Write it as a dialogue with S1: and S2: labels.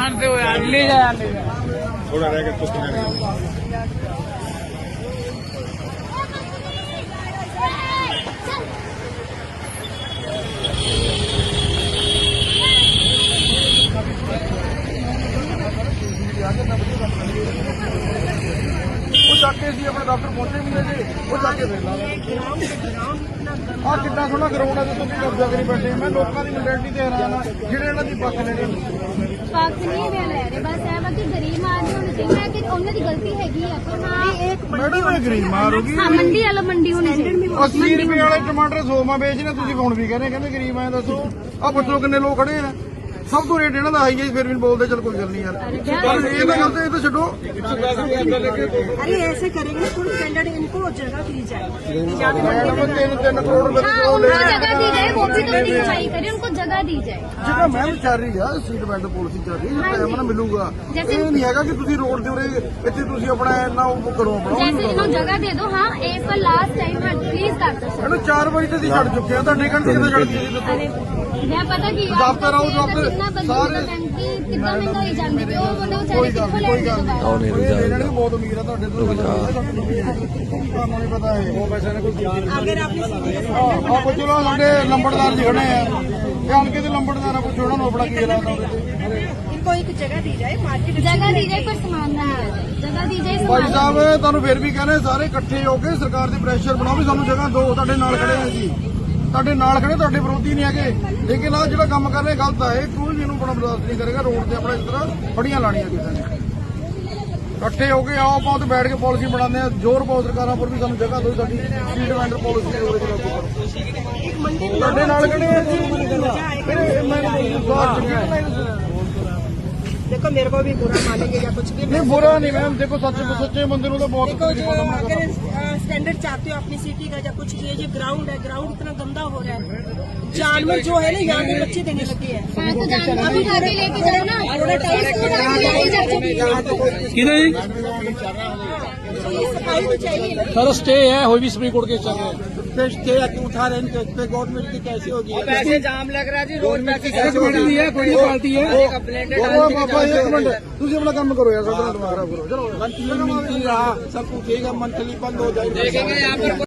S1: जानते हो यार, ले जा
S2: थोड़ा रह गया तो किनारे
S3: वो जाके सी अपने डॉक्टर पहुंचे भी है जी वो जाके फिर ला आ कितना सोहना ग्राउंड है जो तुम कब्जा करी बैठे मैं लोगों की मैंटेलिटी ते हैरान आ ਜਿਹੜੇ ਇਹਨਾਂ ਦੀ ਪੱਖ ਲੈਣੇ
S4: ਪੱਖ ਨਹੀਂ ਲੈ ਰਹੇ ਬਸ ਇਹ ਵਾ ਕਿ ਗਰੀਬ ਆਦਮੀ ਹੋਣੀ ਚਾਹੀਦੀ ਹੈ ਕਿ ਉਹਨਾਂ ਦੀ ਗਲਤੀ ਹੈਗੀ ਆ ਪਰ ਹਾਂ
S3: ਮੈਡਮ ਇਹ ਗਰੀਬ ਮਾਰ ਹੋ ਗਈ
S4: ਹਾਂ ਮੰਡੀ ਵਾਲਾ ਮੰਡੀ ਹੋਣੀ ਚਾਹੀਦੀ
S3: 80 ਰੁਪਏ ਵਾਲੇ ਟਮਾਟਰ 100 ਮਾ ਵੇਚਨੇ ਤੁਸੀਂ ਹੁਣ ਵੀ ਕਹਿੰਦੇ ਗਰੀਬ ਆਏ ਦੱਸੋ ਆ ਪੁੱਛੋ ਕਿੰਨੇ ਲੋਕ ਖੜੇ ਆ सब तो रेट ਇਹਨਾਂ ਦਾ ਹਾਈ ਹੈ ਫਿਰ ਵੀ बोलते चल कोई गल नहीं यार पर ये तो गलत है ये तो छो
S5: अरे ऐसे करेंगे फुल स्टैंडर्ड इनको जगह दी जाए
S3: मैडम 3 करोड़ रुपए
S4: हाँ
S3: की
S4: उनको जगह दी जाए वो भी तो नीचाई करे उनको जगह दी जाए
S3: ਜਿਹੜਾ ਮੈਮ ਚੱਲ ਰਹੀ ਆ ਸੀਟ ਬੈਲਟ ਪਾਲਿਸੀ ਚੱਲ ਰਹੀ ਹੈ ਟਾਈਮ ਨਾਲ ਮਿਲੂਗਾ ਇਹ ਨਹੀਂ ਹੈਗਾ ਕਿ ਤੁਸੀਂ ਰੋਡ ਦੇ ਉਰੇ ਇੱਥੇ ਤੁਸੀਂ ਆਪਣਾ ਇੰਨਾ ਉਹ ਕਰੋ ਆਪਣਾ
S4: जैसे इन्हों जगह दे दो हाँ एक बार लास्ट टाइम हाँ प्लीज कर दो
S3: ਇਹਨੂੰ 4 ਵਜੇ ਤੇ ਅਸੀਂ ਛੱਡ ਚੁੱਕੇ ਆ ਤੁਹਾਡੇ ਘੰਟੇ ਤੇ ਛੱਡ ਦਿੱਤੀ ਦੱਸੋ
S4: अरे मैं पता की
S3: दफ्तर आओ, दफ्तर सारे-
S4: कितना महंगाई जाती है वो बंदा
S3: ਕੋਈ
S4: बेचारे
S3: ਗੱਲ
S4: कितों
S3: ਨਹੀਂ ਕੋਈ
S4: लेंगे
S3: ਗੱਲ ਨਹੀਂ ਇਹਨਾਂ ਨੂੰ ਬਹੁਤ ਉਮੀਦ ਆ ਤੁਹਾਡੇ ਤੋਂ ਤੁਹਾਨੂੰ ਨਹੀਂ ਪਤਾ ਹੈ ਉਹ ਪੈਸੇ ਨੇ ਕੋਈ
S5: अगर आपने सीनियर
S3: ਆ ਪੁੱਛੋ ਸਾਡੇ ਲੰਬੜਦਾਰ ਜੀ ਖੜੇ ਆ ਇਹ ਹਲਕੇ ਦੇ ਲੰਬੜਦਾਰ ਆ ਪੁੱਛੋ ਉਹਨਾਂ ਨੂੰ ਆਪਣਾ ਕੀ ਹਾਲਾਤ ਆ
S5: इनको एक जगह दी जाए मार्केट
S4: जगह दी जाए पर सामान ना दिया जाए जगह दी जाए
S3: ਭਾਈ
S4: सामान
S3: ਸਾਹਿਬ ਤੁਹਾਨੂੰ ਫਿਰ ਵੀ ਕਹਿੰਦੇ ਸਾਰੇ ਇਕੱਠੇ ਹੋ ਕੇ ਸਰਕਾਰ ਦੀ ਪ੍ਰੈਸ਼ਰ ਬਣਾਓ ਵੀ ਸਾਨੂੰ ਜਗ੍ਹਾ ਦਿਓ ਤੁਹਾਡੇ ਨਾਲ ਖੜੇ ਆ ਜੀ ਤੁਹਾਡੇ ਨਾਲ ਖੜੇ ਤੁਹਾਡੇ ਵਿਰੋਧੀ ਨਹੀਂ ਹੈਗੇ ਲੇਕਿਨ ਆ ਜਿਹੜਾ ਕੰਮ ਕਰ ਰਹੇ ਗਲਤ ਹੈ ਕੋਈ ਵੀ ਇਹਨੂੰ ਬੜਾ ਬਰਦਾਸ਼ਤ ਨਹੀਂ ਕਰੇਗਾ ਰੋਡ ਤੇ ਆਪਣਾ ਇਸ ਤਰ੍ਹਾਂ ਫੜੀਆਂ ਲਾਣੀਆਂ ਕਿਸੇ ਨੇ ਇਕੱਠੇ ਹੋ ਕੇ ਆਓ ਆਪਾਂ ਉੱਥੇ ਬੈਠ ਕੇ ਪਾਲਿਸੀ ਬਣਾਉਂਦੇ ਆ ਜ਼ੋਰ ਪਾਓ ਸਰਕਾਰਾਂ ਪਰ ਵੀ ਸਾਨੂੰ ਜਗ੍ਹਾ ਦਿਓ ਸਾਡੀ ਸਟਰੀਟ ਵੈਂਡਰ ਪਾਲਿਸੀ ਉਹਦੇ ਖਿਲਾਫ ਕਰੋ ਤੁਹਾਡੇ ਨਾਲ ਖੜੇ ਆ ਜੀ ਫਿਰ ਮੈਂ
S5: देखो मेरे को भी बुरा मानेंगे या कुछ भी
S3: नहीं बुरा नहीं मैम देखो सच्चे बंदे को तो बहुत
S5: देखो जो
S3: सामना करना
S5: अगर स्टैंडर्ड चाहते हो अपनी सिटी का या कुछ भी ये ग्राउंड है ग्राउंड इतना गंदा हो रहा है जानवर जो है ना यहाँ के बच्चे देने लगे हैं
S4: हाँ तो जानवर उठा के लेके जाओ ना थोड़ा टाइम लेके जाओ
S5: सफाई तो चाहिए
S1: सर स्टे है हुई भी सुप्रीम कोर्ट के चल रहे हैं
S3: उठा रहे हैं पे गवर्नमेंट की कैसी होगी
S1: पैसे जाम लग रहा है जी रोड पे है कोई पार्टी है
S3: बाबा एक मिनट ਤੁਸੀਂ ਆਪਣਾ ਕੰਮ ਕਰੋ ਯਾਰ ਸਾਡਾ ਦਿਮਾਗ ਖਰਾਬ ਕਰੋ ਚਲੋ
S6: मंथली मिलती रहा सब कुछ मंथली बंद हो जाएगा
S1: देखेंगे यहाँ पर